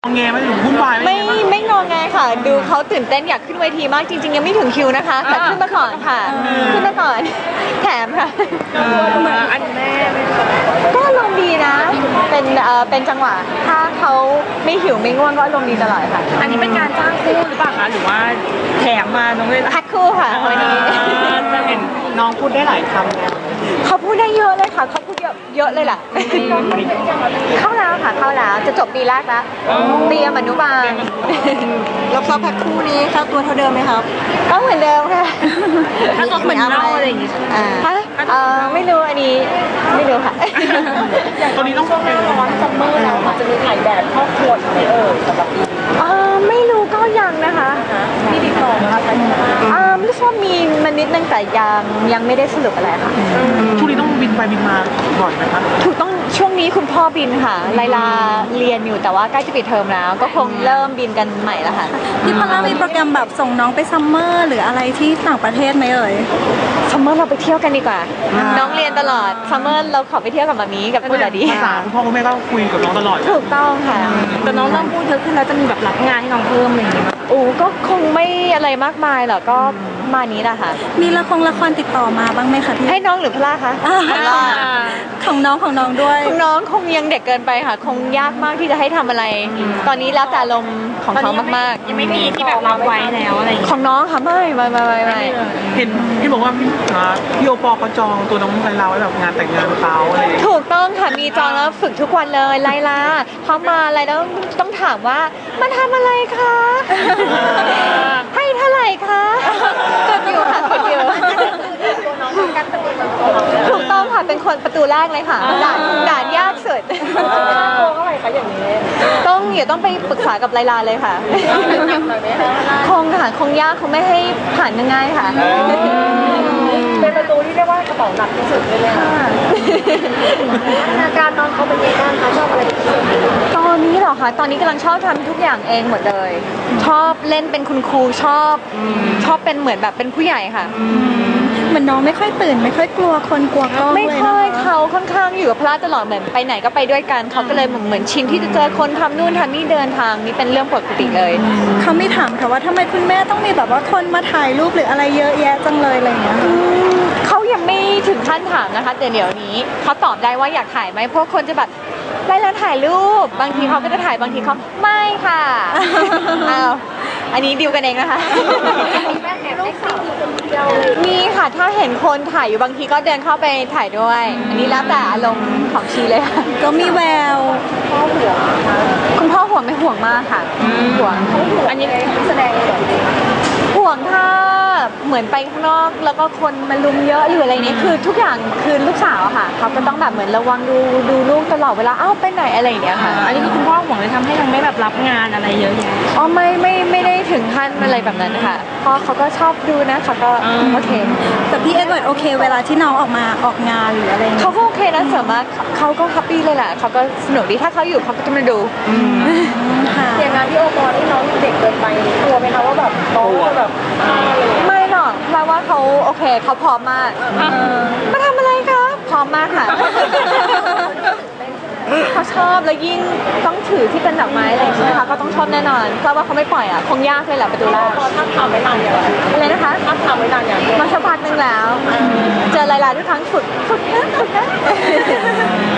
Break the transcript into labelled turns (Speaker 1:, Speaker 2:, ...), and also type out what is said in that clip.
Speaker 1: งแงไม่ถึงวุ่นวาย
Speaker 2: ไม่งอแงค่ะดูเขาตื่นเต้นอยากขึ้นเวทีมากจริงๆยังไม่ถึงคิวนะคะแต่ขึ้นมาก่อนค่ะขึ้นมาก่อนแถมค่ะ
Speaker 3: อันแม่
Speaker 2: ก็ลงดีนะเป็นจังหวะถ้าเขาไม่หิวไม่ง่วงก็ลงดีตลอดค่ะ
Speaker 3: อันนี้เป็นการจ้างคู่หรือเปล่าคะหรือว่าแถมมาน้องเลย
Speaker 2: แพ็คคู่ค่ะวันนี้
Speaker 1: จะเห็นน้องพูดได้หลายคำ
Speaker 2: เขาพูดได้เยอะเลยค่ะเขาพูดเยอะเลยแหละเข้าแล้วค่ะเข้าแล้วจะจบปีแรกแล้วเตรียมอนุบาล
Speaker 4: แล้วแพ็คคู่นี้ค่าตัวเท่าเดิมไหมครับ
Speaker 2: ก็เหมือนเดิมค่ะ
Speaker 3: ถ้าตัวเหมือนเล่าอะไรอย่างงี้
Speaker 2: ไม่รู้อันนี้ไม่รู้ค่ะ
Speaker 1: ตอนนี้ต้อง
Speaker 3: หน้าร้อนซัมเมอร์แล้วจะมีถ่ายแบบครอบครัวไหมสำหรับปี
Speaker 2: ไม่รู้ก็ยังนะคะ
Speaker 3: ที่ติดต่อมาใช่ไหม
Speaker 2: รู้สึกว่ามีมันนิดนึงแต่ยังไม่ได้สรุปอะไรค่ะ
Speaker 1: ช่วงนี้ต้องบินไปบินมาบ่อยไหมคะ
Speaker 2: ถูกต้องช่วงนี้คุณพ่อบินค่ะไลลาเรียนอยู่แต่ว่าใกล้จะปิดเทอมแล้วก็คงเริ่มบินกันใหม่แล้วค่ะ
Speaker 4: พี่พอลล่ามีโปรแกรมแบบส่งน้องไปซัมเมอร์หรืออะไรที่ต่างประเทศไหม
Speaker 2: ซัมเมอร์เราไปเที่ยวกันดีกว่าน้องเรียนตลอดซัมเมอร์เราขอไปเที่ยวกับมามีกับคุณดาดี
Speaker 1: ภาษาคุณพ่อคุณแม่ก็คุยกับน้องตลอด
Speaker 2: ถูกต้องค่ะ
Speaker 3: แต่น้องเริ่มพูดเยอะขึ้นแล้วจะมีแบบรับงานให้น้องเพิ่มอะไรอย่างเงี้ย
Speaker 2: ก็คงไม่อะไรมากมายหรอกก็มานี้แหละค่ะ
Speaker 4: มีละครติดต่อมาบ้างไหมคะ
Speaker 2: ให้น้องหรือพล่าคะ
Speaker 4: ของน้องด้วย
Speaker 2: ของน้องคงยังเด็กเกินไปค่ะคงยากมากที่จะให้ทำอะไรตอนนี้แล้วแต่ลมของเขามาก
Speaker 3: ๆยังไม่มีที่แบบรับไว้แล้วอะไร
Speaker 2: ของน้องค่ะไม่
Speaker 1: เห็นที่บอกว่าพี่โอปอเขาจองตัวน้องไลลาไว้แบบงานแต่งงานเขาอะไร
Speaker 2: ถูกต้องค่ะมีจองแล้วฝึกทุกวันเลยไลลาเขามาอะไรแล้วต้องถามว่ามาทำอะไรคะให้เท่าไหร่คะกดอยู่ค่ะกดอยู่ถูกต้องค่ะเป็นคนประตูแรกเลยค่ะด่านยากสุด
Speaker 3: โกงเท่าไหร่คะอย่างนี้
Speaker 2: ต้องไปปรึกษากับไลลาเลยค่ะคงยากคงไม่ให้ผ่านง่ายค่ะ
Speaker 3: เป็นประตูที่เรียกว่ากระเป๋าหนักที่สุดเลยค่ะการนอนเขาเป็นยังไงบ้างคะชอบอะไร
Speaker 2: ตอนนี้เหรอคะตอนนี้กำลังชอบทำทุกอย่างเองหมดเลยชอบเล่นเป็นคุณครูชอบเป็นเหมือนแบบเป็นผู้ใหญ่ค่ะ
Speaker 4: เหมือนน้องไม่ค่อยตื่นไม่ค่อยกลัวคนกลัวกล้อง
Speaker 2: ไม่ค่อยเขาค่อนข้างอยู่กับพระตลอดเหมือนไปไหนก็ไปด้วยกันเขาก็เลยเหมือนชินที่จะเจอคนทำนู่นทำนี่เดินทางนี่เป็นเรื่องปกติเลย
Speaker 4: เขาไม่ถามค่ะว่าทำไมคุณแม่ต้องมีแบบว่าคนมาถ่ายรูปหรืออะไรเยอะแยะจังเลยอะไรอย่างเงี้ย
Speaker 2: เขายังไม่ถึงขั้นถามนะคะแต่เดี๋ยวนี้เขาตอบได้ว่าอยากถ่ายไหมเพราะคนจะแบบไล่แล้วถ่ายรูปบางทีเขาก็จะถ่ายบางทีเขาไม่ค่ะอ้าวอันนี้ดิวกันเองนะคะมีค่ะถ้าเห็นคนถ่ายอยู่บางทีก็เดินเข้าไปถ่ายด้วยอันนี้แล้วแต่อารมณ์ของชีเลยค่ะ
Speaker 4: ก็มีแวว
Speaker 2: คุณพ่อห่วงไม่ห่วงมากค่ะห่วง
Speaker 3: อันนี้แสดง
Speaker 2: ห่วงถ้าเหมือนไปข้างนอกแล้วก็คนมาลุมเยอะหรืออะไรนี้คือทุกอย่างคือลูกสาวค่ะเขาก็ต้องแบบเหมือนระวังดูลูกตลอดเวลาไปไหนอะไรอย่างเงี้ยค่ะ
Speaker 3: อันนี้คือคุณพ่อห่วงเลยทำให้ยังไม่แบบรับงานอะไรเยอะแยะ
Speaker 2: ไม่ได้ถึงขั้นอะไรแบบนั้นค่ะพ่อเขาก็ชอบดูนะเขาก็โอเค
Speaker 4: แต่พี่เอ็ดเวิร์ดโอเคเวลาที่น้องออกงานหรืออะไร
Speaker 2: เขาก็โอเคนะส่วนมากเขาก็แฮปปี้เลยแหละเขาก็สนุกดีถ้าเขาอยู่เขาก็จะมาดู
Speaker 3: อย่างงานที่โอปอที่น้องเด็กเกินไปกลัวไหมคะว่าแบบน้องแบบ
Speaker 2: ไม่หรอกเพราะว่าเขาโอเคเขาพร้อมมากมาทำอะไรคะพร้อมมากค่ะเขาชอบแล้วยิ่งต้องถือที่เป็นดอกไม้อะไรใช่ไหมคะก็ต้องชอบแน่นอนเพราะว่าเขาไม่ปล่อยคงยากเลยแหละประตูแรก
Speaker 3: ถ้าทำไม่นานอย่าง
Speaker 2: อะไรนะคะ
Speaker 3: ถ้าทำไม่นานอย่าง
Speaker 2: มาสักพักนึงแล้วเจอไลลาทุกครั้งฝึกนะ